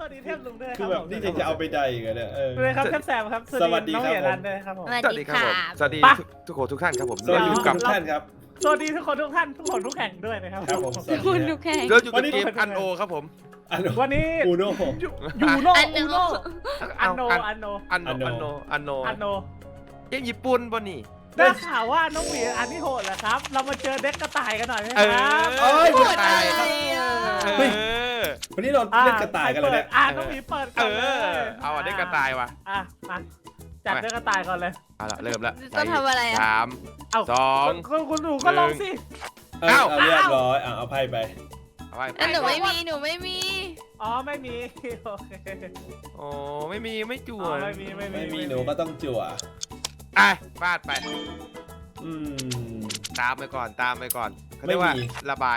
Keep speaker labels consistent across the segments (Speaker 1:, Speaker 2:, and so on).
Speaker 1: วัสดีเทพลุงด้วยค
Speaker 2: คือ
Speaker 1: รับ
Speaker 2: แบบนี่จะเอาไปใดกันเนี่ย
Speaker 1: เลยครับเทพแซมครับ
Speaker 2: สวัสดี
Speaker 1: น้อง
Speaker 2: ครับ
Speaker 1: เหยียรันด้วยครับผม
Speaker 3: สวัสดีครับผมสวัสดีทุกคนทุกท่านครับผม
Speaker 2: สวัสดี
Speaker 3: อยู่
Speaker 2: ทุก
Speaker 3: กับ
Speaker 2: ท่านครับ
Speaker 1: สวัสดีทุกคนทุกท่านทุกคนทุกแข่งด้วยนะครับ
Speaker 2: ครับผม
Speaker 3: เราอยู่กับเกมอันโอครับผม
Speaker 1: วันนี้
Speaker 2: อูโน่
Speaker 1: ยูโนอูโนอันโนอันโน
Speaker 3: อันโนเกมญี่ปุ่นบ่นี่
Speaker 1: ได้ข่าวว่าน้องหวีอันที่โหดเหรอครับ เรามาเจอเด็กกระต่ายกันหน่อยไหมค
Speaker 3: เอ
Speaker 1: รับ
Speaker 2: เอ้ย
Speaker 3: พู
Speaker 2: ก
Speaker 3: ด
Speaker 2: ระต่าย
Speaker 3: เฮ้ย
Speaker 2: วันนี้เราเล่นกระต่ายกันเลยเนี่ย
Speaker 1: น้องหวีเปิดก่อนเลย
Speaker 3: เอาได้กระต่ายว่ะ
Speaker 1: มาจัดเด็กกระต่ายก่อนเลย
Speaker 3: เอาละเริ่มละ
Speaker 4: ต้องทำอะไรอ่ะ
Speaker 3: 3 2
Speaker 1: คุณหนูก็ลองสิ
Speaker 2: เอาเรียบร้อยเอาไพ่ไป
Speaker 3: เอาไป
Speaker 4: แต่หนูไม่มีหนูไม่มี
Speaker 1: อ๋อไม่มีโอเค
Speaker 3: โอ้ไม่มีไม่จั่ว
Speaker 1: ไม่มี
Speaker 2: ไม่มีหนูก็ต้องจั่ว
Speaker 3: ฟาดไป
Speaker 2: อืม
Speaker 3: ตามไปก่อนเขาเรียกว่า
Speaker 2: ไม่มี
Speaker 3: ระบาย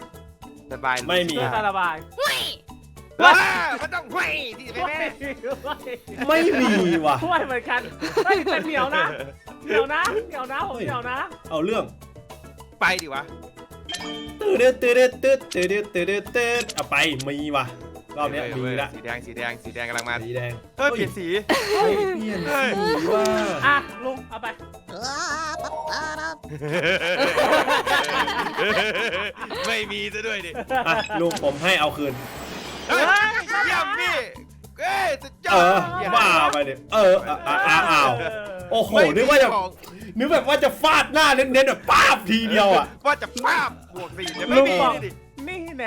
Speaker 2: ไม่มี
Speaker 1: เพื่อการระบาย
Speaker 4: หุ้ย
Speaker 3: มันต้องห้วยที่แม่
Speaker 2: ไม่มีว่ะ
Speaker 1: ช่วยเหมือนกันไม่แต่เหนียวนะผมเหนียวนะ
Speaker 2: เอาเรื่อง
Speaker 3: ไปดิวะ
Speaker 2: ตื้อเอาไปมีว่ะรอบนี้มีละ
Speaker 3: สีแดงกำลังมา
Speaker 2: สีแดง
Speaker 3: เฮ้ยเปลี่ยนสี
Speaker 2: เปลี่ยนสีว่า
Speaker 1: อ่ะลุงเอาไป
Speaker 3: ไม่มีซะด้วยดิ
Speaker 2: อ่ะลุงผมให้เอาคืน
Speaker 3: เฮ้ยเยี่ยมพี่เอ้ยสุดยอ
Speaker 2: เอ
Speaker 3: ด
Speaker 2: อบ้าไปดิอ้าวโอ้โหนึกว่าแบบว่าจะฟาดหน้าเน้นๆแบบป้าบทีเดียวอ่ะ
Speaker 3: ว่าจะป้าบบวก4แต่ไม่มีดิ
Speaker 1: นี่แน่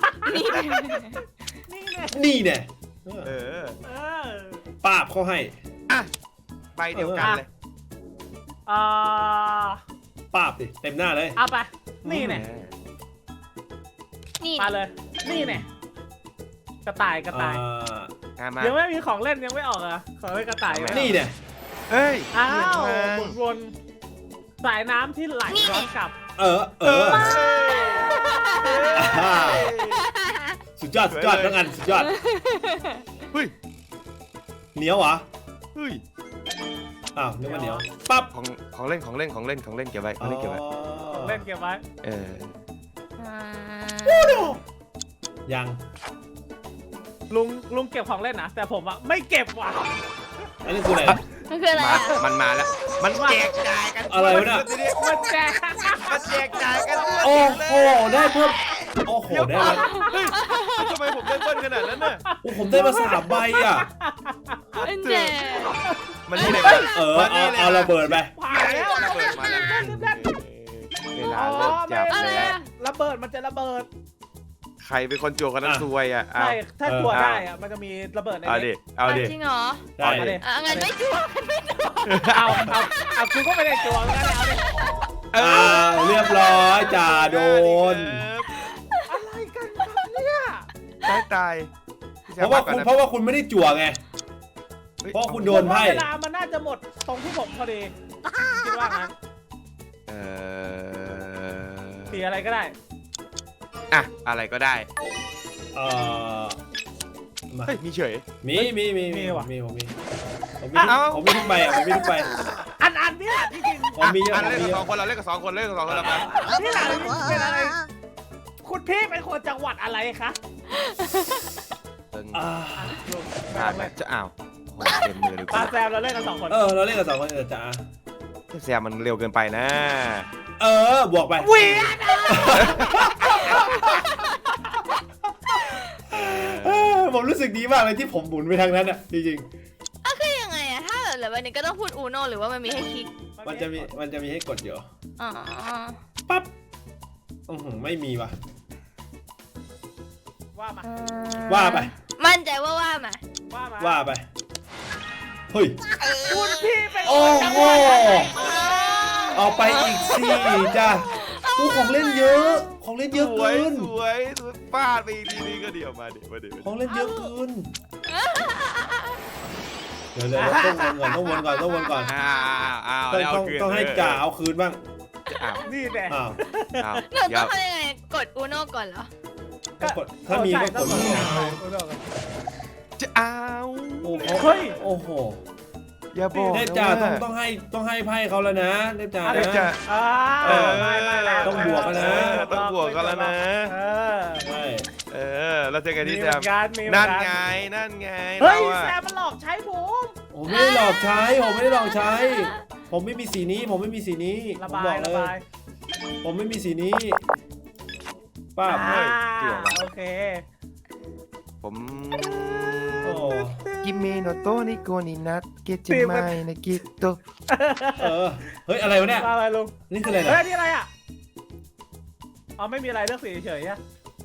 Speaker 2: นี่เนี่ย
Speaker 3: เออ
Speaker 2: ป้าบเขาให้
Speaker 3: อ่ะใบเดียวกันเลย
Speaker 2: ป้าบดิเต็มหน้าเลย
Speaker 1: เอาไปนี่แน่
Speaker 4: นี่
Speaker 1: มาเลยนี่แน่กระต่าย
Speaker 3: มา
Speaker 1: ยังไม่มีของเล่นยังไม่ออกอ่ะของเล่นกระต่าย
Speaker 2: นี่เนี่ย
Speaker 3: เฮ้ย
Speaker 1: อ้าววนสายน้ำที่ไหลย้อนกลับ
Speaker 2: สุดยอดทั้งอันสุดยอด
Speaker 3: เฮ้ย
Speaker 2: เหนียวเหรอ
Speaker 3: เฮ้ย
Speaker 2: อ้าวนึกว่าเหนียวปั๊บ
Speaker 3: ของเล่นเก็บไว้ของเล่นเก็บไว้
Speaker 1: เล่นเก็บไว้
Speaker 2: ยัง
Speaker 1: ลุงเก็บของเล่นนะแต่ผมอะไม่เก็บว่ะ
Speaker 2: อันนี้คืออะไร
Speaker 4: มันคืออะไรอ่ะ
Speaker 3: มันมาแล้วมันแจกจ่ายกัน
Speaker 2: อะไรวะเนี่ย
Speaker 1: มันแจก
Speaker 3: มันแจกจ่ายกัน
Speaker 2: โอ้โหได้เพิ่มโอ้โหได้มา
Speaker 3: เฮ้ยทำไมผมได้เบิ้ลขนาดนั้นน่ะ
Speaker 2: โอ้ผมได้มา3 ใบอ่ะ
Speaker 4: เป็นแจก
Speaker 3: มันนี่เลย
Speaker 2: เอาระเบิดไป
Speaker 1: ผ่านแล้ว
Speaker 3: ระเบิดมาแล้วเวลาเลิกจับ
Speaker 4: อะไร
Speaker 3: แล้ว
Speaker 4: อ่ะ
Speaker 1: ระเบิดมันจะระเบิด
Speaker 3: ใครเป็นคนจั่วคนนั้นซวยอ่ะ
Speaker 1: ใช่ถ้าตัวได้อะมันจะมีระเบิดใน
Speaker 3: เอาดิ
Speaker 4: จริงเหรอ
Speaker 2: ได้
Speaker 4: งั้นไม่จั่ว
Speaker 1: เอาคุณก็ไม่ได้จวงกันเอาดิ
Speaker 2: เรียบร้อยจ่าโดน
Speaker 1: อะไรกันครับเนี่ย
Speaker 3: ตาย
Speaker 2: เพราะว่าคุณไม่ได้จั่วไง เพราะคุณโดนไพ่
Speaker 1: เวลามันน่าจะหมดตรงที่ผมพอดีคิดว่างั้นสีอะไรก็ได้
Speaker 3: อ่ะอะไรก็ได้
Speaker 2: มา
Speaker 3: เฮ้ยมีเฉย
Speaker 2: มีผมมีทุกใบอ่ะผมมีทุกใบ
Speaker 1: อันเนี้ยจริง
Speaker 2: ผมมีเยอะ
Speaker 3: เล่นกับ2 คนเราเล่นกับ2 คนเล่นกับ2 คนแล้วมา
Speaker 1: ๆนี่อะไรเป็นอะไรคุณพี่เป็นคนจังหวัดอะไรคะ
Speaker 3: จะอ้าวเต็มมือเลย
Speaker 1: ปาแซมเราเล่นกัน2 คน
Speaker 2: เราเล่นกับ2 คนจ่า
Speaker 3: แซมมันเร็วเกินไปนะ
Speaker 2: บวกไป
Speaker 1: เวียน
Speaker 2: ผมรู้สึกดีมากเลยที่ผมหมุนไปทางนั้นอ่ะจริง
Speaker 4: คือยังไงอ่ะถ้าเหลือวันนี้ก็ต้องพูดอูโนหรือว่ามันมีให้คลิก
Speaker 2: ๆมันจะมีให้กดอยู่
Speaker 4: อ๋อ
Speaker 2: ปั๊บไม่มีว่ะ
Speaker 1: ว่ามา
Speaker 2: ว่าไป
Speaker 4: มั่นใจว่ามา
Speaker 2: ว่าไปเฮ้ย
Speaker 1: คุณพี่เป็น
Speaker 2: โอ้
Speaker 1: คนจัง
Speaker 2: โห
Speaker 1: หวัดอะไร
Speaker 2: เอาไปอีก4จ้ะของเล่นเยอะของเล่นเยอะเกิน
Speaker 3: สวยฟาดไปทีนี้ก็เดี๋ยวมาเดี๋ยว
Speaker 2: ของเล่นเยอะเกินเดี๋ยวต้องวนก่อนต้องให้จ่าเอาคืนบ้าง
Speaker 1: นี่แหละ
Speaker 4: หนูต้องทำยังไงกดอูโนก่อนเหรอ
Speaker 2: ก็กดถ้ามีก็กด
Speaker 3: จะเอา
Speaker 1: เฮ้ย
Speaker 2: โอ้โห
Speaker 3: อย่าบอก
Speaker 2: เทพจ่าต้องให้ไพ่เขาแล้วนะเทพจ่า
Speaker 3: เทพ
Speaker 2: นะ
Speaker 3: จ่า
Speaker 1: ไม่
Speaker 2: ต้องบวกกันนะ
Speaker 3: ต้องบวกกันแล้วนะ
Speaker 1: ใช่
Speaker 2: ใช่
Speaker 3: แล้วเจอกัน
Speaker 1: มี
Speaker 3: ที่
Speaker 1: เห
Speaker 3: แซ
Speaker 1: มือ
Speaker 3: ม
Speaker 1: นกันมีเหมื
Speaker 3: นั่
Speaker 1: อน นกัน
Speaker 3: ไงนั่นไง
Speaker 1: เฮ้ย
Speaker 3: ราอะ
Speaker 1: แซมมันหลอกใช้ผม
Speaker 2: ผมไม่ได้หลอกใช้ผมไม่ได้หลอกใช้ ผมไม่มีสีนี้ผมไม่มีสีนี้
Speaker 1: ระ
Speaker 2: ผม
Speaker 1: บา
Speaker 2: บอย กเล
Speaker 1: ระ
Speaker 2: ย
Speaker 1: บาย
Speaker 2: ผมไม่มีสีนี้ป้าบ
Speaker 1: อ่าโอเค
Speaker 3: ผม
Speaker 2: โอ้
Speaker 3: กิเมโนโตะนิโกนินัทเกจิไมนะกิโต
Speaker 2: เฮ้ยอะไรวะเนี่ย
Speaker 1: อะไรลุง
Speaker 2: นี่คืออะไร
Speaker 1: เฮ้ย
Speaker 2: นะ
Speaker 1: นี่อะไรอ่ะอ๋อไม่มีอะไรเลือกสีเฉยๆอะ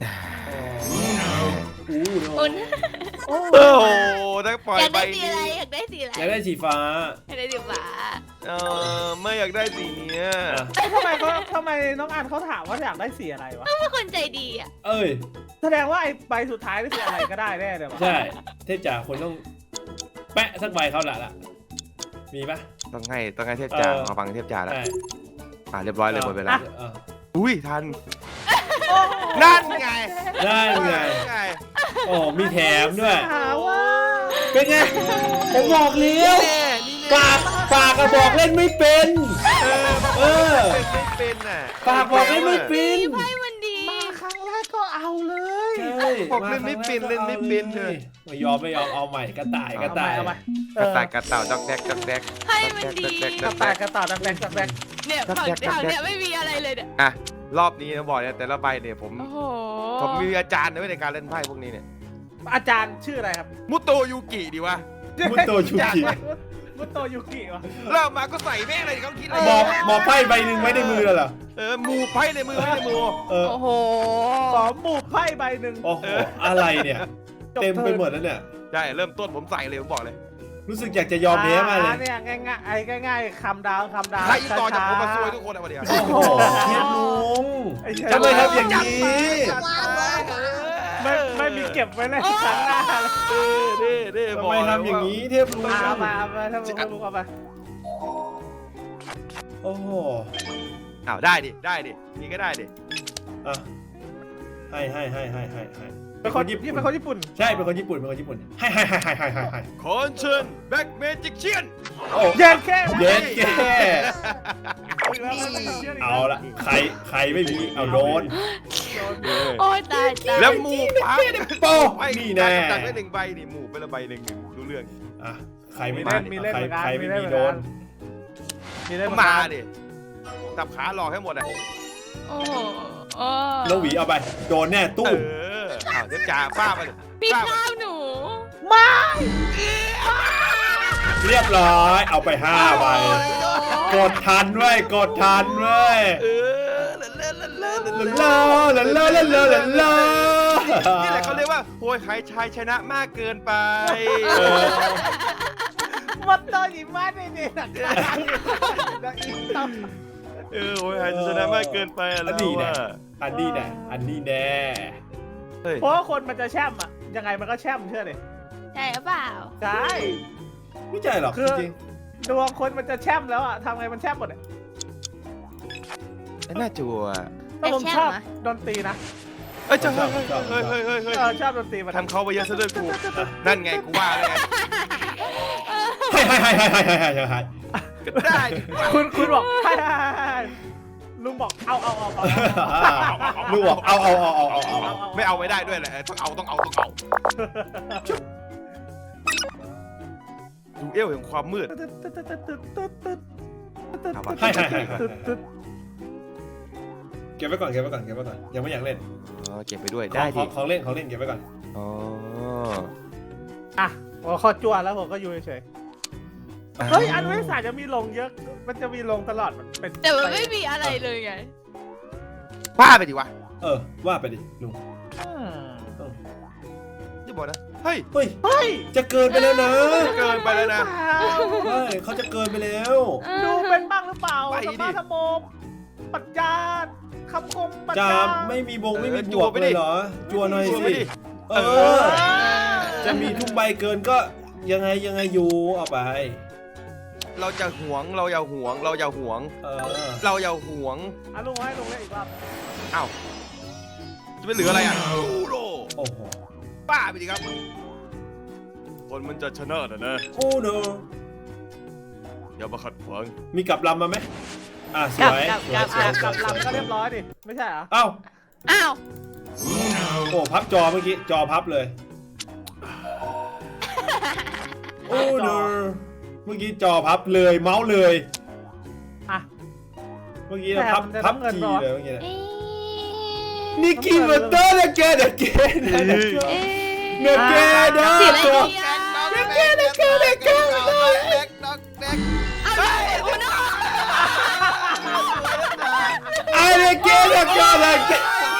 Speaker 4: อุ่น
Speaker 1: โอ้
Speaker 3: โอ้โหถ้าปล่อย
Speaker 4: อยาก
Speaker 3: ไป
Speaker 4: ได้สีอะไรอยากได้สีอะไร
Speaker 2: อยากได้สีฟ้า
Speaker 4: อยากได้สีฟ้า
Speaker 3: ไม่อยากได้สีเนี้ย
Speaker 1: ทำไมน้องอันเขาถามว่าอยากได้สีอะไรวะ
Speaker 4: ต้องเป็นคนใจดีอ่ะ
Speaker 2: เอ้ย
Speaker 1: แสดงว่าไอ้ใบสุดท้ายนี่คืออะไรก็ได้แน่เลยวะ
Speaker 2: ใช่เทพจ่าคนต้องแปะสักใบเขาละมีปะ
Speaker 3: ต้องให้เทพจ่ามาฟังเทพจ่าแล้ว
Speaker 2: ใช่
Speaker 3: เรียบร้อยเลยหมดเวลา
Speaker 2: เออ
Speaker 3: อุ้ยทัน
Speaker 1: โอ้
Speaker 3: นั่นไง
Speaker 2: ได้ไง
Speaker 3: ไง
Speaker 2: โอ้มีแถมด้วย
Speaker 1: หาว่า
Speaker 2: เป็นไงผมบอกเลี้ยว
Speaker 3: แน่นี่แน่
Speaker 2: ปากกระบอกเล่นไม่เป็น เออ
Speaker 3: ไม่เป็นน่ะ
Speaker 2: ปากบอกเล่นไม่เป็น
Speaker 4: ไพ่มันดี
Speaker 1: มาครั้งแรกก็เอาเลย
Speaker 2: ใช่
Speaker 3: บอกเล่นไม่เป็นเล่นไม่เป็นเลย
Speaker 2: ไม่ยอมเอาใหม่กระต่ายกระต่าย
Speaker 1: เอาไป
Speaker 3: กระต่ายกระเต่าดอกแดกดอกแดก
Speaker 4: ไพ่มันดี
Speaker 1: กระต่ายกระต่ายดักแดกดักแดก
Speaker 4: เนี่ยฝั่งเนี่ยไม่มีอะไรเลยเนี่ย
Speaker 3: อ่ะรอบนี้นะบอกเนี่ยแต่ละใบเนี่ยผม
Speaker 4: โอ้โห
Speaker 3: มีอาจารย์ในการเล่นไพ่พวกนี้เนี่ย
Speaker 1: อาจารย์ชื่ออะไรครับ
Speaker 3: มุโตยูกิดีวะ
Speaker 2: มุโตชูกิ
Speaker 1: มุโตยุกิวะ
Speaker 3: เริ่มมาก็ใส่แม่งเลยเขาคิดอะไร
Speaker 2: หมอไพ่ใบหนึ่งไว้ในมือเหรอ
Speaker 3: หมูไพ่ในมือไม่ในมือ
Speaker 2: เออ
Speaker 4: โอ้โห
Speaker 1: ขอหมูไพ่ใบหนึ่ง
Speaker 2: โอ้โหอะไรเนี่ย เต็มไปหมดแล้วเนี่ย
Speaker 3: ใช่เริ่มต้นผมใส่เลยผมบอกเลย
Speaker 2: รู้สึกอยากจะยอมแพ้มากเลย
Speaker 1: เนี่ยง่ายๆคำดาวคำดาว
Speaker 3: ใครอีกต่อจากผมมาซวยทุกคนเอามาเดียว
Speaker 2: โอ้โหเทพลุงทำไมทำอย่างนี้
Speaker 1: ไม่มีเก็บไว้เลยครั้งหน้า
Speaker 3: เด้
Speaker 2: ทำไมทำอย่างนี้เทพลุง
Speaker 1: เอามาถ้าลุงเอาไป
Speaker 2: โอ้โห
Speaker 3: อ้าวได้ดินี่ก็ได้ดิ
Speaker 2: อ่ะให้
Speaker 1: เป็นคนญี่ปุ่น
Speaker 2: ใช่เป็นคนญี่ปุ่นให้
Speaker 3: คอนเชิญแบ็กเมจิกเชียน
Speaker 2: โอ้
Speaker 1: เย็นแค่
Speaker 2: เย็นแก่เอาละใครไม่มีเอาโดน
Speaker 4: โอ้ยตาย
Speaker 3: แล้วหมูปั๊บ
Speaker 2: โป้
Speaker 3: ไอ้
Speaker 2: นี่แน่
Speaker 3: ตัดไป1ใบนี่หมูไปละใบหนึ่งรู้เรื่อง
Speaker 2: อ่ะใครไม่
Speaker 1: มีเล่นเหมือนกัน
Speaker 2: ใครไม่มีโดน
Speaker 1: มีเล่น
Speaker 3: มาดิจับขาหลอกให้หมดอ่ะ
Speaker 4: โอ้โห
Speaker 2: แล้วหวีเอาไปโดนแน่ตู้
Speaker 3: อ้าวเทพจ่าป้าไปเลย
Speaker 4: พี่ข้าวหนู
Speaker 1: มา
Speaker 2: เรียบร้อยเอาไป5ใบกดทันเว้ยกดทันเว้ย ลาลาลาลาลาลาลา
Speaker 3: นี่แหละเขาเรียกว่าโวยขายชายชนะมากเกินไป
Speaker 1: วัดต่อยิมาได้เนี่ย
Speaker 3: โวยขายชายชนะมากเกินไป
Speaker 2: อันนี้แน่อันนี้แน่
Speaker 1: เพราะว่าคนมันจะแช่มอ่ะยังไงมันก็แช่มเชื่อดิ
Speaker 4: ใช่หรือเปล่า
Speaker 1: ใช่
Speaker 2: ไม่ใช่หรอก
Speaker 1: คือ
Speaker 2: จริง
Speaker 1: ดวงคนมันจะแช่มแล้วอ่ะทำไงมันแช่มหมดอ่ะ
Speaker 3: น่าจัว
Speaker 1: แต่ผมชอบดนตรีนะ
Speaker 3: เฮ้ย
Speaker 1: ชอบดนตรีมา
Speaker 3: ทำเขาไปเยอะซะด้วยกูนั่นไงกูว่าเลยไง
Speaker 2: ให้
Speaker 3: ก็ได้
Speaker 1: คุณบอกลุงบอกเอา
Speaker 2: ลูกบอกเอา
Speaker 3: ไม่เอาไม่ได้ด้วยแหละต้องเอาดูเอวแห่งความมืด
Speaker 2: ให้เก็บไว้ก่อนยังไม่อยากเล่น
Speaker 3: อ๋อเก็บไปด้วยได้ดิ
Speaker 2: ของเล่นเก็บไว้ก่อน
Speaker 3: อ๋อ
Speaker 1: อ่ะผมขอจั่วแล้วผมก็อยู่เฉยเฮ้ยอันวิสาจะมีลงเยอะมันจะมีลงตลอดมันเป็น
Speaker 4: แต่มันไม่มีอะไรเลยไง
Speaker 3: ป้าไปดิวะ
Speaker 2: ว่าไปดิลุง
Speaker 3: จะบอกนะเฮ้ย
Speaker 2: เฮ้ยจะเกินไปแล้วนะ
Speaker 3: เกินไปแล้วนะ
Speaker 2: เฮ้ยเขาจะเกินไปแล้ว
Speaker 1: ดูเป็นบ้างหรือเปล่า
Speaker 3: ไปดิ
Speaker 1: สมาธโมปรัชญาคำคมปรัช
Speaker 2: จา
Speaker 1: ญา
Speaker 2: ไม่มีบวกเลยเหรอจัวหน่อยสิจะมีทุกใบเกินก็ยังไงอยู่เอาไป
Speaker 3: เราจะหวงเราอย่าหวง
Speaker 2: เออ
Speaker 3: เราอย่าหวง
Speaker 1: อ่ะลุงให้ลุงเล่นอีกรอบ
Speaker 3: อ้าวจะไม่เหลืออะไรอ่ะยูโร
Speaker 2: โอ้โห
Speaker 3: ป้าไปดิครับคนมันจะชนะนะ
Speaker 2: โอ้โน
Speaker 3: อย่ามาขัดขวาง
Speaker 2: มีกลับลำมาไหมสวย
Speaker 1: กับลำก็เรียบร้อยดิไม่ใช่เหรอ
Speaker 2: เอ้า
Speaker 4: อ้าว
Speaker 2: โอ้พับจอเมื่อกี้จอพับเลยโอ้เนอเมื่อกี้จอพับเลยเมาส์เลย
Speaker 1: อ่ะ
Speaker 2: เมื่อกี้เราพับ
Speaker 1: แต่มันจะ
Speaker 2: พับ
Speaker 1: ต้องเงิน
Speaker 2: ที
Speaker 1: เหรอ
Speaker 2: เลยเมื่อกี้เนี่ย
Speaker 4: เอ๊ะ
Speaker 2: นิกกี้มาเตอร์เดเกเดเกเดเก
Speaker 4: เอ๊ะ
Speaker 2: เดเกเด
Speaker 4: สีอะไร
Speaker 2: เก
Speaker 4: ดีอ่ะ เอาเลยอุโน่
Speaker 2: ไอเดเกเดเกเดเก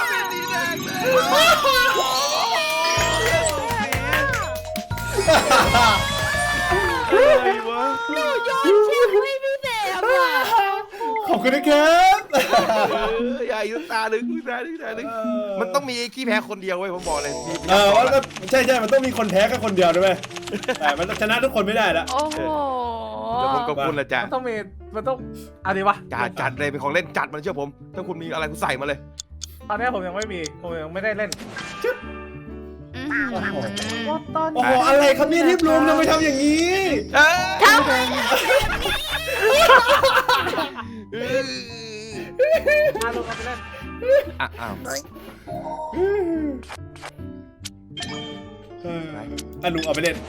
Speaker 3: อะไรวะ
Speaker 4: หนูโยนเชือกให้พี่แซมอ่ะ
Speaker 2: ขอบคุณนะครับ
Speaker 3: อย่าอีกตาหนึ่งตาหนึ่งตาหนึ่งมันต้องมีขี้แพ้คนเดียวเว้ยผมบอกเลยมี
Speaker 2: ว่าก็ใช่มันต้องมีคนแพ้แค่คนเดียวด้วยไหมแต่มันชนะทุกคนไม่ได้ละ
Speaker 4: โอ้โห
Speaker 3: แล้วผมกับคุณละจ้ะ
Speaker 1: มันต้องอะไรวะ
Speaker 3: จัดเลยเป็นของเล่นจัดมันเชื่อผม ถ้าคุณมีอะไรคุณใส่มาเลย
Speaker 1: ตอนนี้ผมยังไม่มีผมยังไม่ได้เล่น ตอน
Speaker 2: โอ้โหอะไรครับเนี่ยทิพย์ลุงทำไมทำอย่างนี้
Speaker 4: ทำไม
Speaker 1: มาลงกันไปเล่น
Speaker 3: อ้าว
Speaker 2: ลุงเอาไปเล่น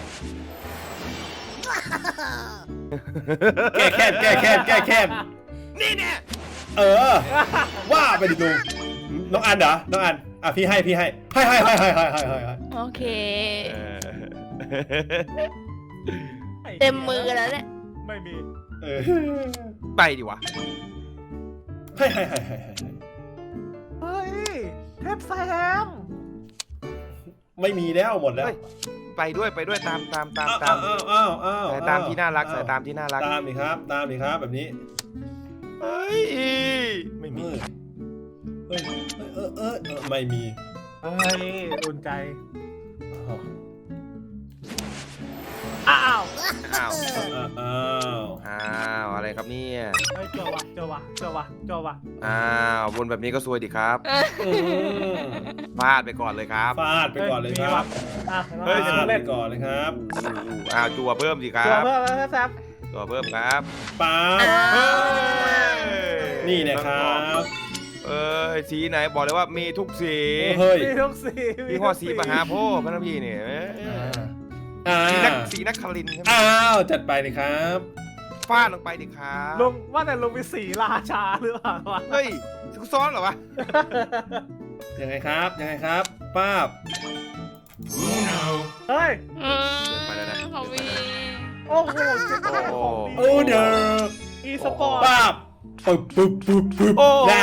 Speaker 2: แก้แค้น
Speaker 3: นี่เนี่ย
Speaker 2: ว่าไปดิลุงน้องอันเหรอน้องอันพี่ให้ให้
Speaker 4: โอเค เต็มมือแล้วเนี่ย
Speaker 1: ไม่มี
Speaker 3: ไปดิวะ
Speaker 2: ให้
Speaker 1: เฮ้ยเทพแซม
Speaker 2: ไม่มีแล้วหมดแล้ว
Speaker 3: ไปด้วยตาม
Speaker 2: อ้าว
Speaker 3: ตามที่น่ารักใส่ตามที่น่ารัก
Speaker 2: ตามดิครับแบบนี้
Speaker 3: เฮ้ยไม่มี
Speaker 2: ไม่มี
Speaker 1: เฮ้ยอุ่นใจอ้าว
Speaker 3: อ้าว
Speaker 2: อ้าว
Speaker 3: อะไรครับเนี่ย
Speaker 1: เฮ้ยเจอวะ
Speaker 3: อ้าววนแบบนี้ก็ซวยดิครับฟาดไปก่อนเลยครับ
Speaker 2: ฟาดไปก่อนเลยครับ
Speaker 1: เฮ้ย
Speaker 2: ฟาดไป
Speaker 1: เล่น
Speaker 2: ก่อนเลยครับ
Speaker 3: อ้าวจั่วเพิ่มสิครั
Speaker 1: ตัว
Speaker 3: บ
Speaker 1: เพิ่มแล้วแซม
Speaker 3: จั่วเพิ่มครับ
Speaker 2: ป๊านี่นะครับ
Speaker 3: สีไหนบอกเลยว่ามีทุกสี
Speaker 2: เฮ้ย
Speaker 1: มีทุกสี
Speaker 3: พี่พ่อสีมหาโพธิ์พระนพี่เนี่ยสีนักคลินใช่ไหม
Speaker 2: อ้าวจัดไปเลยครับ
Speaker 3: ฟาดลงไปดิครับ
Speaker 1: ลุงว่าแต่ลุงมีสีราชาหรือเปล่าวะ
Speaker 3: เฮ้ยซุกซ้อนเหรอวะ
Speaker 2: ยังไงครับป้าบ
Speaker 1: เฮ้ย
Speaker 3: ไปแล้วนะ
Speaker 4: ของวี
Speaker 1: โอ้โหจะได้ของดี
Speaker 2: โอ้เด้อ
Speaker 1: อีสปอร์ต
Speaker 2: ป้าบปึ๊บ
Speaker 3: โอ้
Speaker 2: ด่า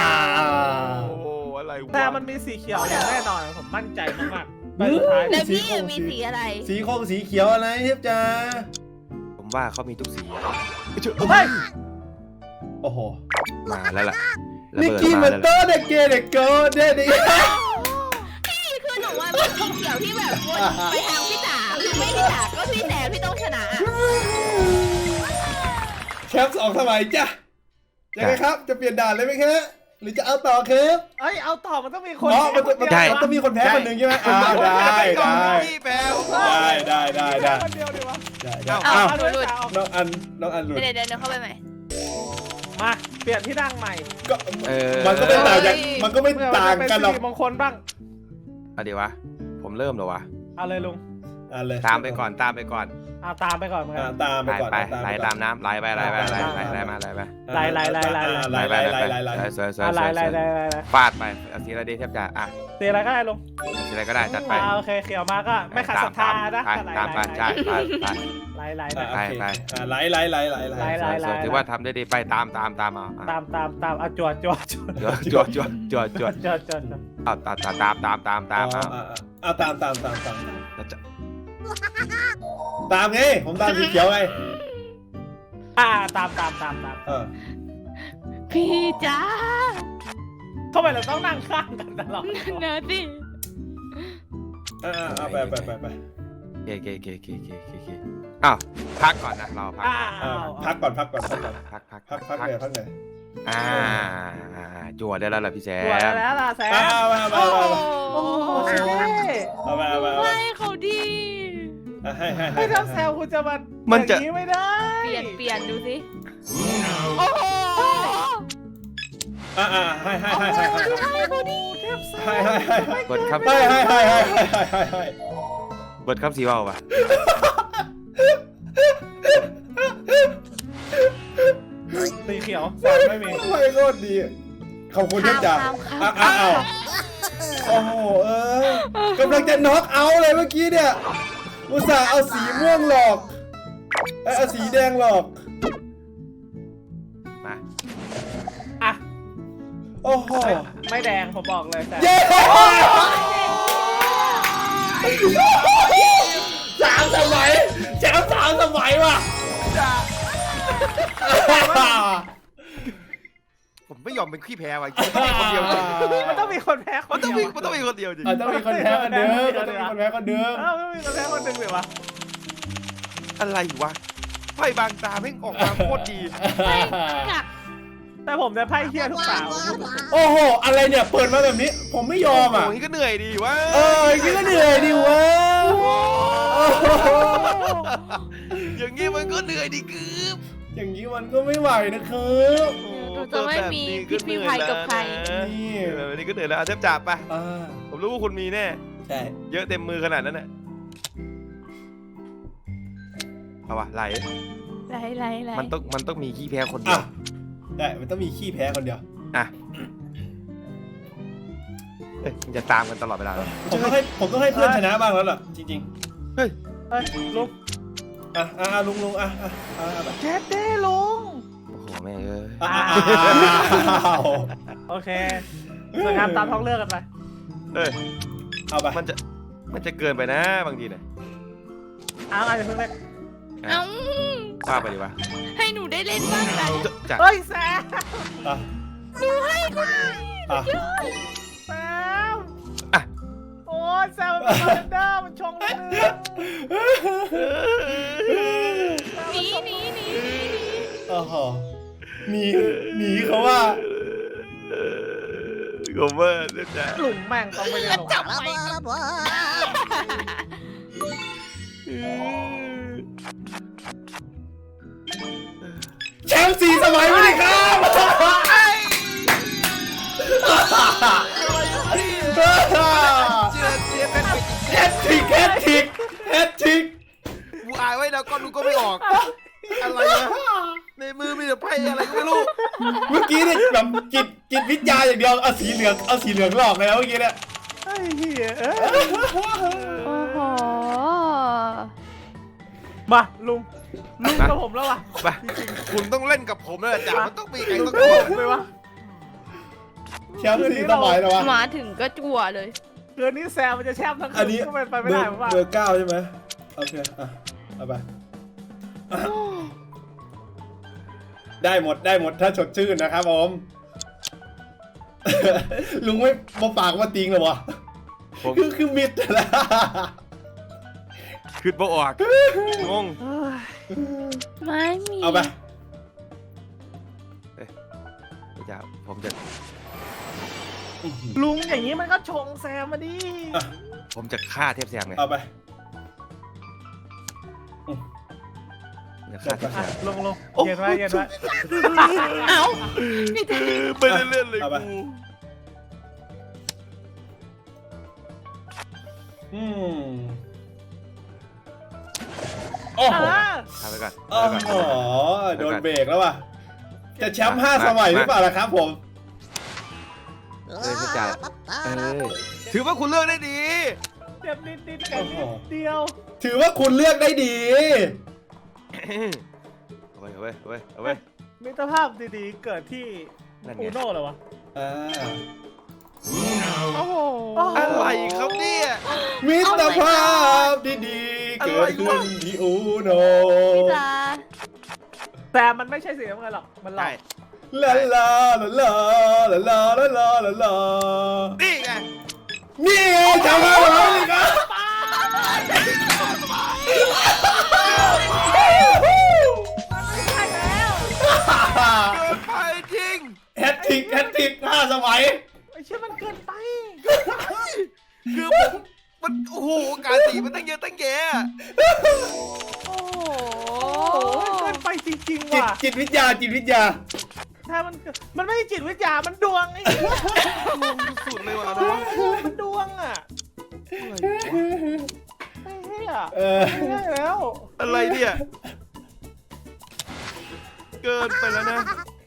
Speaker 3: อะไรวะ
Speaker 1: แต่มันมีสีเขียวอย่างแน่นอนผมมั่นใจมากๆไปสุดท้าย
Speaker 4: แล้วพี่มีสีอะไร
Speaker 2: สีคงสีเขียวอะไรเทพจ้า
Speaker 3: ผมว่าเขามีทุกสี
Speaker 1: เฮ้ย
Speaker 2: โอ้โห
Speaker 3: มาแล้วล่ะ
Speaker 2: นิกกี้มันเตอร์เด็กเกเด็กเกิร์ลเด็ก
Speaker 4: พี่คือหนูว่าเป็นสีเขียวที่แบบวนไปทางพี่จ๋าคือไม่พี่จ๋าก็พี่แซมพี่ต้องชนะอะ
Speaker 2: แคป2สมัยจ้ะยังไงครับจะเปลี่ยนด่านเลยไหมครับหรือจะเอาต่อครับ
Speaker 1: เอ้ยเอาต่อมันต้องมีคน
Speaker 2: อ๋อมันต้องมีคนแพ้คนหนึ่งใช่ไหมได้
Speaker 1: คนเดียวดีวะ
Speaker 2: ได้
Speaker 1: เอา
Speaker 2: อ้าว
Speaker 1: เอาด้วยจ้ะเอา
Speaker 2: น้องอันหลุด
Speaker 4: เดี๋ยวเข้าไปใหม่
Speaker 1: มาเปลี่ยนที่นั่งใหม่
Speaker 2: ก็มันก็ไม่ต่างจากมันก็ไม่ต่างกันหรอก
Speaker 1: เป็นสิริมงคลบ้าง
Speaker 3: เอาดีวะผมเริ่มแล้ววะ
Speaker 1: เอาเลยลุง
Speaker 2: เลย
Speaker 3: ตามไปก่อน
Speaker 1: เอาตามไปก่อนเหมือนกัน
Speaker 2: ตามไป
Speaker 3: ไล่
Speaker 2: ก่อน
Speaker 3: ไปไล่ตามน้ำไล่ไปไล่มาไล่สวยฟาดไปสีอะไรดีเทียบจ่าอ่ะ
Speaker 1: สีอะไรก็ได้ลุง
Speaker 3: สีอะไรก็ได้จัดไป
Speaker 1: โอเคเขียวมาก็ไม่ขัดศรัทธานะ
Speaker 3: ตามไปใช่ไป
Speaker 1: ไล่
Speaker 2: ไหล
Speaker 3: ถือว่าทำได้ดีไปตามเอา
Speaker 1: เอาจวด
Speaker 3: เอาตามเอา
Speaker 2: เอาตามไงผมตามสีเขียวไง
Speaker 1: ตาม
Speaker 4: พี่จ๋า
Speaker 1: ทำไมเราต้องนั่งข้างกันตลอด
Speaker 4: เนื้อสิ
Speaker 2: ไป
Speaker 3: เกอ้าวพักก่อนนะเราพัก
Speaker 2: พักก่อน
Speaker 3: พัก
Speaker 2: เลย
Speaker 3: จั่วได้แล้วล่ะพี่แซ
Speaker 1: จวด
Speaker 3: ม
Speaker 1: แล้วล่ะแซม
Speaker 4: โอ้โห
Speaker 2: เอาไป
Speaker 4: ไม่เขาดี
Speaker 1: ไม่ทำแซวคุณจะมาอย่างนี้ไม่ได้
Speaker 4: เปลี่ยนดูสิโอ้โห
Speaker 2: ให้
Speaker 3: เบิร์ดครับ
Speaker 2: ให้
Speaker 3: เบิร์ดครับสีว่าวปะ
Speaker 1: สีเขียวแซมไม่มี
Speaker 2: ทำไมโคตรดีขอบคุณที่จ่าอ้าวโอ้โหกำลังจะน็อกเอาท์เลยเมื่อกี้เนี่ยอุตส่าห์เอาสีม่วงหลอกเอาสีแดงหลอก
Speaker 3: มา
Speaker 1: อ่ะ
Speaker 2: โอ้โห
Speaker 1: ไม่แดงผมบอกเลยแซม
Speaker 2: เย้3 สมัยแชมป์3 สมัยว่ะ
Speaker 3: ผมไม่ยอมเป็นขี้แพ้ว่ะคนเดียวจริง
Speaker 1: มันต้องมีคนแพ้ค
Speaker 3: มัน น
Speaker 1: เดี
Speaker 3: ต้อง
Speaker 1: ยว
Speaker 3: มีมันต้องมีคนเดียวจริง
Speaker 2: ต้องมีคนแพ้คนเดิมต้องมีคนแพ้คนเดิม
Speaker 1: มันต้องมีคนแพ้คนหนึ่งเลยวะ
Speaker 3: อะไรวะไพ่บางตาแม่งออกมาโคตรดี
Speaker 4: กัก
Speaker 1: แต่ผมจะไพ่เฮียทุกสาว
Speaker 2: โอ้โหอะไรเนี่ยเปิดมาแบบนี้ผมไม่ยอมอ่ะ
Speaker 3: โอ้ยก็เหนื่อยดีวะ
Speaker 2: อย่างนี้ก็เหนื่อยดิวะ
Speaker 3: อย่างงี้มันก็เหนื่อยดีกืบ
Speaker 2: อย่างนี้มันก็ไม่ไหวนะครับ
Speaker 4: หนูจะไม่มีพิษมีภัยกับใคร
Speaker 2: นี่
Speaker 3: แบบนี้ก็เหนื่อยแล้วเทพจ่าไป
Speaker 2: อ่า
Speaker 3: ผมรู้ว่าคุณมีแน่
Speaker 2: ใช่
Speaker 3: เยอะเต็มมือขนาดนั้นน่ะเอาวะไหล
Speaker 4: ไร
Speaker 3: มันต้องมีขี้แพ้คนเดี
Speaker 2: อ่ะ
Speaker 3: ยว
Speaker 2: ได้มันต้องมีขี้แพ้คนเดียว
Speaker 3: อ่ะเอ้ยมันจะตามกันตลอดเวลาเลย
Speaker 2: ผมต้องให้เพื่อนชนะบ้างแล้วล่ะจริง
Speaker 1: เฮ้ยลุง
Speaker 2: ๆลุงแบบ
Speaker 1: แจ๊ดเด้ลุง
Speaker 3: โอ้โหแม่งเอ้ย
Speaker 1: โอเคสวยงามตามท้องเรื่องกันไป
Speaker 3: เอ้ย
Speaker 2: เอาไป
Speaker 3: มันจะเกินไปนะบางทีเนี่ย
Speaker 1: อาจจะเพิ่งเล่น
Speaker 4: เอ้า
Speaker 3: ว่าไปดีวะ
Speaker 4: ให้หนูได้เล่นบ้างกัน
Speaker 3: จะ
Speaker 1: เฮ้ยแซม
Speaker 2: อ่ะ
Speaker 4: หนูให้คุณ
Speaker 2: อ่ะ
Speaker 1: แซม
Speaker 3: อ่ะ
Speaker 1: โอ้ยแซมมันเป็นคอมเดอร์มันชงเลย
Speaker 4: หนี
Speaker 2: โอ้โหหนีเขาว่า
Speaker 3: กูเมื่อเล่นจ้ะ
Speaker 1: หลุมแม่งต้องไปเล่นหลุม
Speaker 4: จับไป
Speaker 2: แชมป์4 สมัยไปเลยครับแฮตทริก
Speaker 3: กูอายไว้แล้วก็ดูก็ไม่ออก อะไรนะในมือมีแต่ไพ่อะไรก็ไม่รู้
Speaker 2: เมื่อกี้เนี่ยแบบจิตวิทยาอย่างเดียวเอาสีเหลืองหลอกเลยนะเมื่อกี้เนี่ย
Speaker 1: ไอ้เหี้ย
Speaker 4: โอ้โห
Speaker 1: มาลุงกับผมแล้วว่ะ
Speaker 3: ไปคุณต้องเล่นกับผมแล้วจ้ะมันต้องมีใครต้อง
Speaker 1: โก
Speaker 3: โก
Speaker 1: งไปวะ
Speaker 2: แชมป์4 สมัยแล้ววะ
Speaker 4: มาถึงก็จั่วเลย
Speaker 1: คืนนี้แซมมันจะแชมป์ทั้ง
Speaker 2: อัน
Speaker 1: คื
Speaker 2: นี้
Speaker 1: นก็เป็นไปไม่
Speaker 2: เบอ
Speaker 1: ได้
Speaker 2: ร์
Speaker 1: ผมว่า
Speaker 2: เบอร์ 9ใช่ไหมโอเคอ่ะเอาไปได้หมดถ้าสดชื่นนะครับผม ลุงไม่มาปากมาติงเลยวะ
Speaker 3: ผม
Speaker 2: คือมิดแล้ว
Speaker 3: ขึ้นบ่ออกงง
Speaker 4: ไม่มี
Speaker 2: เอาไป
Speaker 3: จ้ะผมจะ
Speaker 1: ลุงอย่างนี้มันก็ชงแซมมาดิ
Speaker 3: ผมจะฆ่าเทพแซมไง
Speaker 2: เอาไป
Speaker 3: จะฆ่าเทพแซ
Speaker 1: อ่ะ
Speaker 3: ม
Speaker 1: ลงเย็นไว้
Speaker 4: เอ้าพี่แจ๊
Speaker 3: ไม่ได้เล่นเลยกู
Speaker 2: โอ้โห
Speaker 3: ฆ่าไปก่อน
Speaker 2: โอ้โหโดนเบรกแล้วว่ะจะแชมป์5 สมัยหรือเปล่าล่ะครับผม
Speaker 3: เทพจ่าถือว่าคุณเลือกได้ดี
Speaker 1: เจ็บนิดกันนิดเดียว
Speaker 2: ถือว่าคุณเลือกได้ดี
Speaker 3: เอาไว้
Speaker 1: มิตรภาพดีๆเกิดที่
Speaker 3: นั่นไง
Speaker 1: อูโน่เหรอวะ
Speaker 4: โอ้โห
Speaker 3: อะไรครับเนี่ย
Speaker 2: มิตรภาพดีๆเกิดขึ้นที่อูโน
Speaker 4: พี่จ๋า
Speaker 1: แต่มันไม่ใช่สีน้ำเงินหรอกมันหลอ
Speaker 3: ได้
Speaker 1: ก
Speaker 2: ลาลาลาลาลาลาลาลาลา
Speaker 3: นี่ไง
Speaker 2: นี่ไงจำได้ไหมนี่ครับ
Speaker 3: เกินไปจริง
Speaker 2: แฮตทริก5 สมัย
Speaker 1: ไอ้เชี่ยมันเกินไป
Speaker 3: คือมันโอ้โหการสีมันตั้งเยอะตั้งแยะ
Speaker 4: โอ้โห
Speaker 1: โอ้ยเกินไปจริงๆว่ะ
Speaker 2: จิตวิทยา
Speaker 1: ถ้ามันไม่ใช่จิตวิทยามันดวงไอ้เหี้ย
Speaker 3: สุดเลยว่ะ
Speaker 1: มันดวงอ่ะไอ้เหี้ย ไม่ได้แล้ว
Speaker 3: อะไรเนี่ยเกินไปแล้วนะ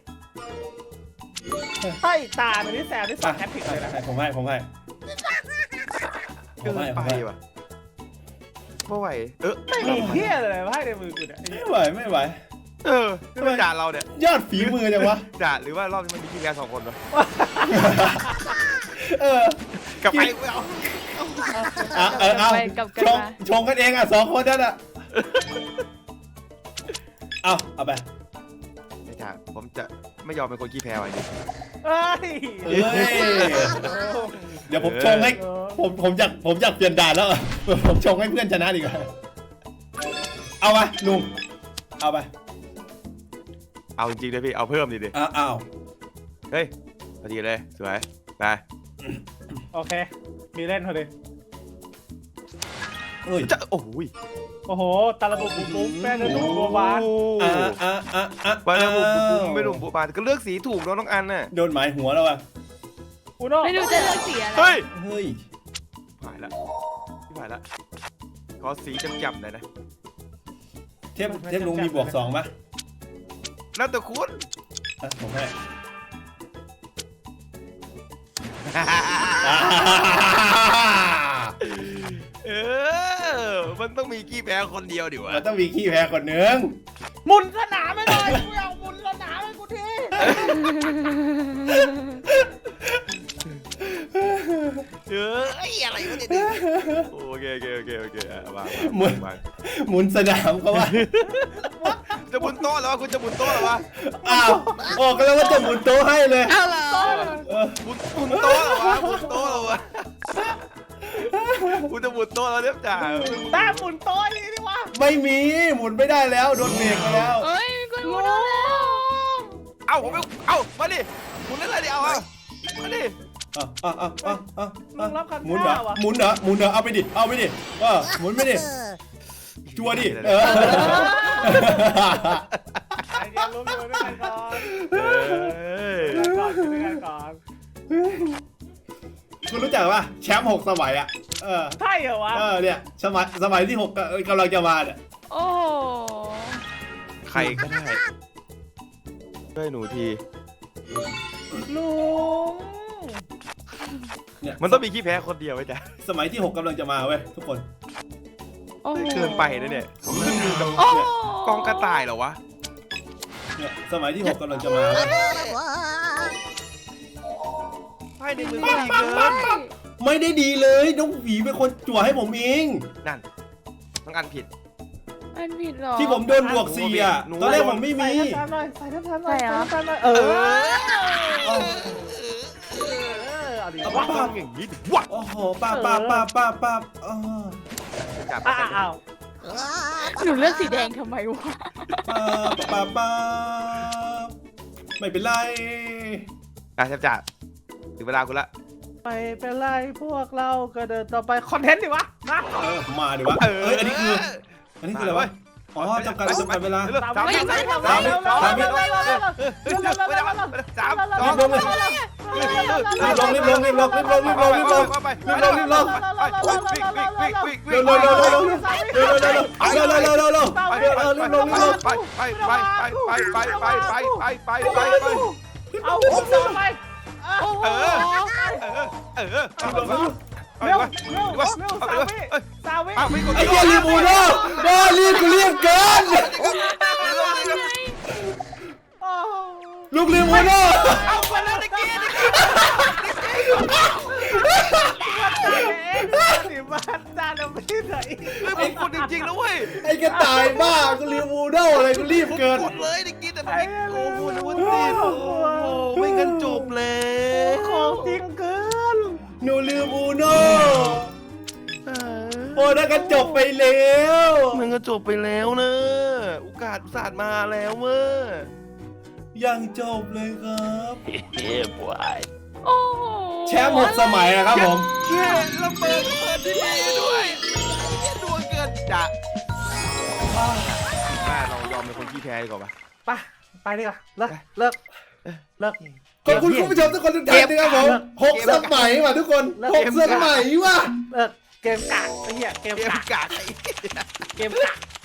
Speaker 1: ถ้าอีกตาหนึ่งที่แซมที่สองแฮตทริกเลยนะ
Speaker 2: ผมให้
Speaker 3: เกินไปว่ะไม่ไหว
Speaker 1: ไม่มีเหี้ยเลยไพ่ในมือกูเนี่ย
Speaker 2: ไม่ไหว
Speaker 3: นี่มันด่าเราเนี่ย
Speaker 2: ยอดฝีมือจังวะ
Speaker 3: ด่าหรือว่ารอบนี้มันมีพี่แก2 คนวะ
Speaker 2: กลับ
Speaker 3: ไปไม่เอา
Speaker 2: เอา
Speaker 5: ไปกลับกันมา
Speaker 2: ชงกันเองอ่ะ2 คนนั่นอ่ะเอาไป
Speaker 3: ไม่ด่าผมจะไม่ยอมเป็นคนขี้แพ้ไว้ดิ
Speaker 1: เอ้ย
Speaker 2: เดี๋ยวผมชงให้ผมอยากเปลี่ยนด่านแล้วผมชงให้เพื่อนชนะดีกว่าเอาไปลุงเอาไป
Speaker 3: เอาจริงๆเลยพี่เอาเพิ่มดิ
Speaker 2: เอา
Speaker 3: เฮ้ยพอดีเลยสวยไป
Speaker 1: โอเค มีเล่นพอดี
Speaker 2: เฮ้ย
Speaker 3: จะโอ้ย
Speaker 1: โอ้โหตาลบุบุบุแม่เนื้อหนูบัวบาน
Speaker 3: ไปแล้วผมไม่หนุ่มบัวบานก็เลือกสีถูกแล้วน้องอันน่ะ
Speaker 2: โดนหมายหัวแล้วว่ะ
Speaker 1: อุโน่
Speaker 5: ไม่รู้จะเลือกสีอะไร
Speaker 3: เฮ้ย
Speaker 2: เฮ้ย
Speaker 3: ผ่านละพี่ผ่านละขอสีจับๆหน่อยนะ
Speaker 2: เทพลุงมีบวก2ป่ะ
Speaker 3: แล้วแต่คุณ
Speaker 2: ผมให้
Speaker 3: มันต้องมีขี้แพ้คนเดียวดิวะ
Speaker 2: มันต้องมีขี้แพ้คนหนึ่ง
Speaker 1: หมุนสนามไม่ได้กูอยากหมุนสนามให้กูที
Speaker 3: อะไรวะเนี่ยโอเคมา
Speaker 2: หมุนสนามเขาว่า
Speaker 3: จะบุนโต๊ะแล้ววะคุณจะบุนโต๊ะแล้ววะ
Speaker 2: อ้าวออกกันแล้วว่าจะหมุนโต๊ะให้เลย
Speaker 4: เอาเหรอ
Speaker 3: บุนโต๊ะแล้ววะบุนโต๊ะแล้ววะคุณจะบุนโต๊ะแล้วเรียบจ่า
Speaker 1: ตามหมุนโต๊ะนี่ดิวะ
Speaker 2: ไม่มีหมุนไม่ได้แล้วโดนเบรกไปแล้ว
Speaker 5: เฮ้ยมีคนรู้แล้ว
Speaker 3: เอ้าผมไม่เอ้ามาดิคุณเล่นอะไรดิเอามาดิ
Speaker 1: มึงรับคำ
Speaker 2: หมุนเหร
Speaker 1: ท้า
Speaker 2: อ
Speaker 1: วะ
Speaker 2: หมุนเหรอเอาไปดิหมุนไปดิจัวดิ
Speaker 1: ใจเย็นลุกอยู่ด้วยกันก่อนอยู่ด้วยกันก่อน
Speaker 2: คุณรู้จักป่ะแชมป์6 สมัยอ่ะ
Speaker 1: ใช่เหรอวะ
Speaker 2: เนี่ยสมัยที่6กำลังจะมาเนี่ย
Speaker 5: โอ้โห
Speaker 3: ใครก็ได้ช่วยหนูที
Speaker 1: ลุง
Speaker 2: เนี่ย
Speaker 3: มันต้องมีขี้แพ้คนเดียวไว้จ้ะ
Speaker 2: สมัยที่6กำลังจะมาเว้ยทุกคน
Speaker 5: โอ้โห
Speaker 3: เกินไปนะเนี่ย
Speaker 5: โอ้โห
Speaker 3: กองกระต่ายเหรอวะ
Speaker 2: เนี่ยสมัยที่6กำลังจะมาเว้ย
Speaker 3: ไพ่ในมือก็ดีเกิน
Speaker 2: ไม่ได้ดีเลยน้องหวีเป็นคนจั่วให้ผมเอง
Speaker 3: นั่นต้องอันผิด
Speaker 5: มันผิดเหรอ
Speaker 2: ที่ผมโดนบวก4อ่ะตอนแรกผมไม่มี
Speaker 1: ใส่น้ำตาลหน่อย
Speaker 2: เอาดิ
Speaker 3: เอาบ้างอย่างนี้ดิวะ
Speaker 2: โอ้โหป้า
Speaker 3: จับ
Speaker 1: อ้าว
Speaker 5: หนูเลือกสีแดงทำไมวะ
Speaker 2: ป้าไม่เป็นไร
Speaker 3: จับถึงเวลาคุณละ
Speaker 1: ไม่เป็นไรพวกเราก็เดินต่อไปคอนเทนต์ดิวะมา
Speaker 2: มาดิวะอันนี้คืออะไรวะอ๋อจำกัดเวลา
Speaker 3: สามวิ
Speaker 2: รีบลง
Speaker 1: เอาผมต่อไป
Speaker 5: โอ้โห
Speaker 1: เร็วสาวิ
Speaker 2: ไอ้เหี้ยรีบูโน่บ้ารีบกูเรียกเกินลูกรีบูโน่
Speaker 3: เอาไปแล้วตะกี้
Speaker 1: สิบ้านจานเราไม่ได้
Speaker 3: ไม่ผมกดจริงๆนะเว้ย
Speaker 2: ไอ้กระต่ายบ้ากูรีบูโน่อะไรกูรีบเกิน
Speaker 3: กดเลยตะกี้แต่ไม่โกงนะวันนี้โอ้โหไม่งั้นจบแล้ว
Speaker 1: ของจริงเกิน
Speaker 2: หนูรีบูโน่โอ้นั่นก็จบไปแล้ว
Speaker 3: มันก็จบไปแล้วนะโอกาสศาสตร์มาแล้วเว้ย
Speaker 2: ยังจบเลยครับ
Speaker 5: โอ้โห
Speaker 2: แชมป์6 สมัยนะครับผม
Speaker 3: แค่ระเบิดที่นี่ด้วยดวงเกินจะแม่เรายอมเป็นคนขี้แพ้ดีกว่าปะ
Speaker 1: ไปดีกว่าเลิกเลิก
Speaker 2: ขอบคุณคุณผู้ชมทุกคนทุกท่านนะครับผม6 สมัยว่ะทุกคน6 สมัยว่ะ
Speaker 1: เลิกเกมกากไอ้เหี้ยเกม
Speaker 3: เกม
Speaker 1: กาก
Speaker 3: กาก
Speaker 1: เกมกาก